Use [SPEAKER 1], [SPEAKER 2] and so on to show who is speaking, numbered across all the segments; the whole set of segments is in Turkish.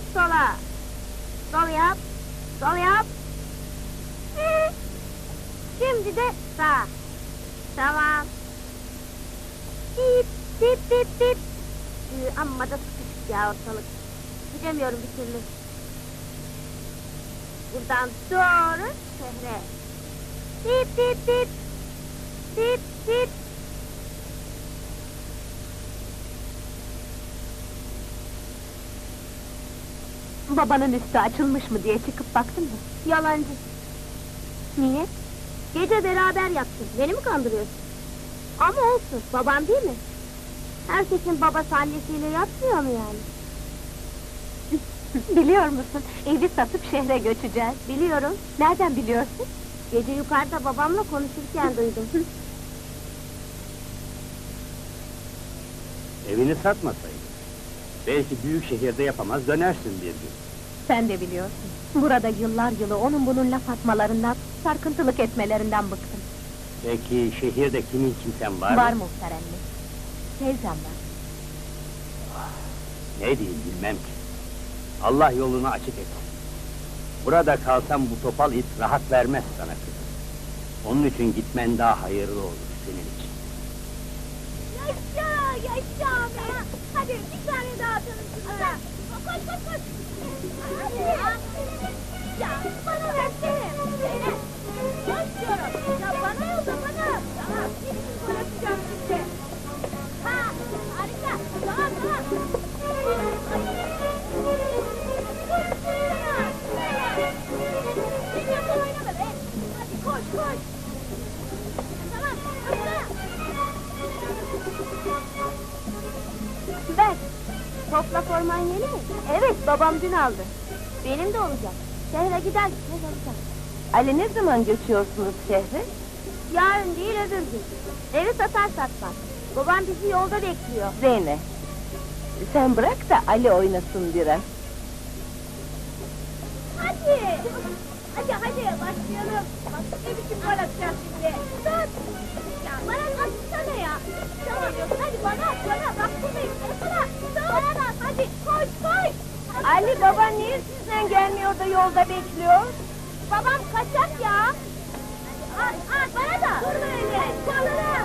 [SPEAKER 1] sola. Sol yap. Sol yap. Şimdi de sağ. Tamam. Dip dip dip dip. Amma da sıkışık ya ortalık. Gidemiyorum bir türlü. Buradan doğru şehre. Dip dip dip. Dip dip.
[SPEAKER 2] Babanın üstü açılmış mı diye çıkıp baktın mı?
[SPEAKER 1] Yalancı.
[SPEAKER 2] Niye?
[SPEAKER 1] Gece beraber yattın. Beni mi kandırıyorsun? Ama olsun. Babam değil mi? Herkesin babası annesiyle yatmıyor mu yani?
[SPEAKER 2] Biliyor musun? Evi satıp şehre göçeceğiz.
[SPEAKER 1] Biliyorum.
[SPEAKER 2] Nereden biliyorsun?
[SPEAKER 1] Gece yukarıda babamla konuşurken duydum.
[SPEAKER 3] Evini satmasaydın. Belki büyük şehirde yapamaz dönersin bir gün.
[SPEAKER 2] Sen de biliyorsun. Burada yıllar yılı onun bunun laf atmalarından, sarkıntılık etmelerinden bıktım.
[SPEAKER 3] Peki şehirde kimin kimsen var mı?
[SPEAKER 2] Var muhtar anne. Teyzem var.
[SPEAKER 3] Ne diyeyim bilmem ki. Allah yolunu açık etsin. Burada kalsam bu topal it rahat vermez sana kızım. Onun için gitmen daha hayırlı olur senin için.
[SPEAKER 1] Yaşa! Yaşa be! Hadi bir tane daha atalım şuna. Koş koş koş! Hadi! Ya bana versene! Koş diyorum! Ya bana yolla bana! Tamam, şimdi gol atacağım size! Ha! Harika! Tamam tamam! Sen yapma oynama be! Hadi koş koş! Tamam, hızlı! Ver! Topla forman yeni mi? Evet, babam dün aldı. Benim de olacak. Şehre giderken alacağım.
[SPEAKER 2] Ali ne zaman göçüyorsunuz şehre?
[SPEAKER 1] Yarın değil öbür gün. Evi satar satmaz. Babam bizi yolda bekliyor.
[SPEAKER 2] Zeynep. Sen bırak da Ali oynasın biraz.
[SPEAKER 1] Hadi! Hadi hadi başlayalım. Bak ne biçim gol atacağız şimdi. Tut! Ya bana atsana ya. Tamam hadi bana at bana. Bak buradayım. Bana bana da at hadi koş koş.
[SPEAKER 2] Ali baba niye sizden gelmiyor da yolda bekliyor?
[SPEAKER 1] Babam kaçak ya. At at bana da. Dur böyle. Çalıra.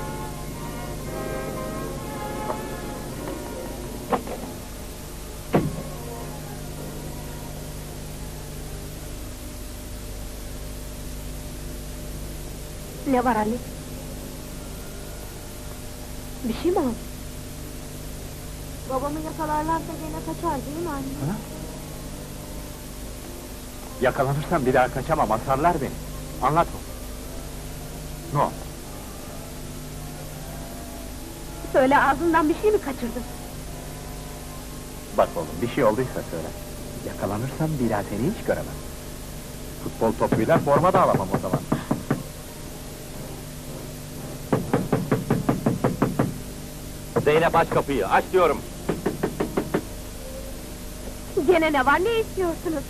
[SPEAKER 2] Ne var Ali? Bir şey mi oldu?
[SPEAKER 1] Babamı yakalarlarsa gene kaçar değil mi anne?
[SPEAKER 3] Ha? Yakalanırsam bir daha kaçamam, asarlar beni. Anlat o. Ne oldu?
[SPEAKER 2] Söyle ağzından bir şey mi kaçırdın?
[SPEAKER 3] Bak oğlum, bir şey olduysa söyle. Yakalanırsam bir daha seni hiç göremem. Futbol topuyla forma da alamam o zaman. Zeynep aç kapıyı, aç diyorum!
[SPEAKER 2] Gene ne var, ne istiyorsunuz?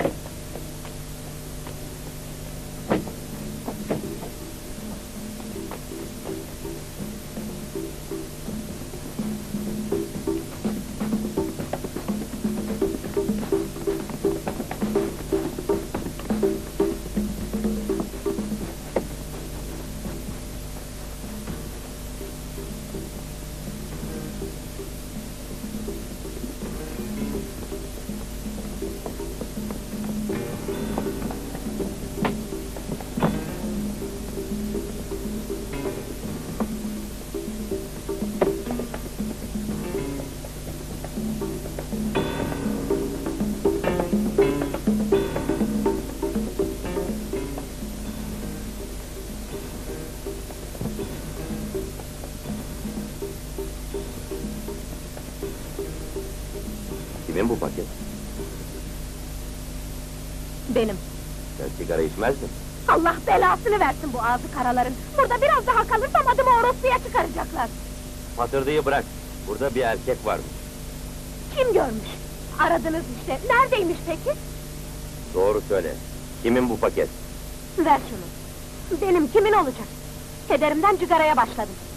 [SPEAKER 3] Kimin bu paket?
[SPEAKER 2] Benim.
[SPEAKER 3] Sen sigara içmezdin.
[SPEAKER 2] Allah belasını versin bu ağzı karaların. Burada biraz daha kalırsam adımı orospuya çıkaracaklar.
[SPEAKER 3] Patırdığı bırak, burada bir erkek varmış.
[SPEAKER 2] Kim görmüş? Aradınız işte. Neredeymiş peki?
[SPEAKER 3] Doğru söyle, kimin bu paket?
[SPEAKER 2] Ver şunu. Benim kimin olacak? Kederimden cigaraya başladım.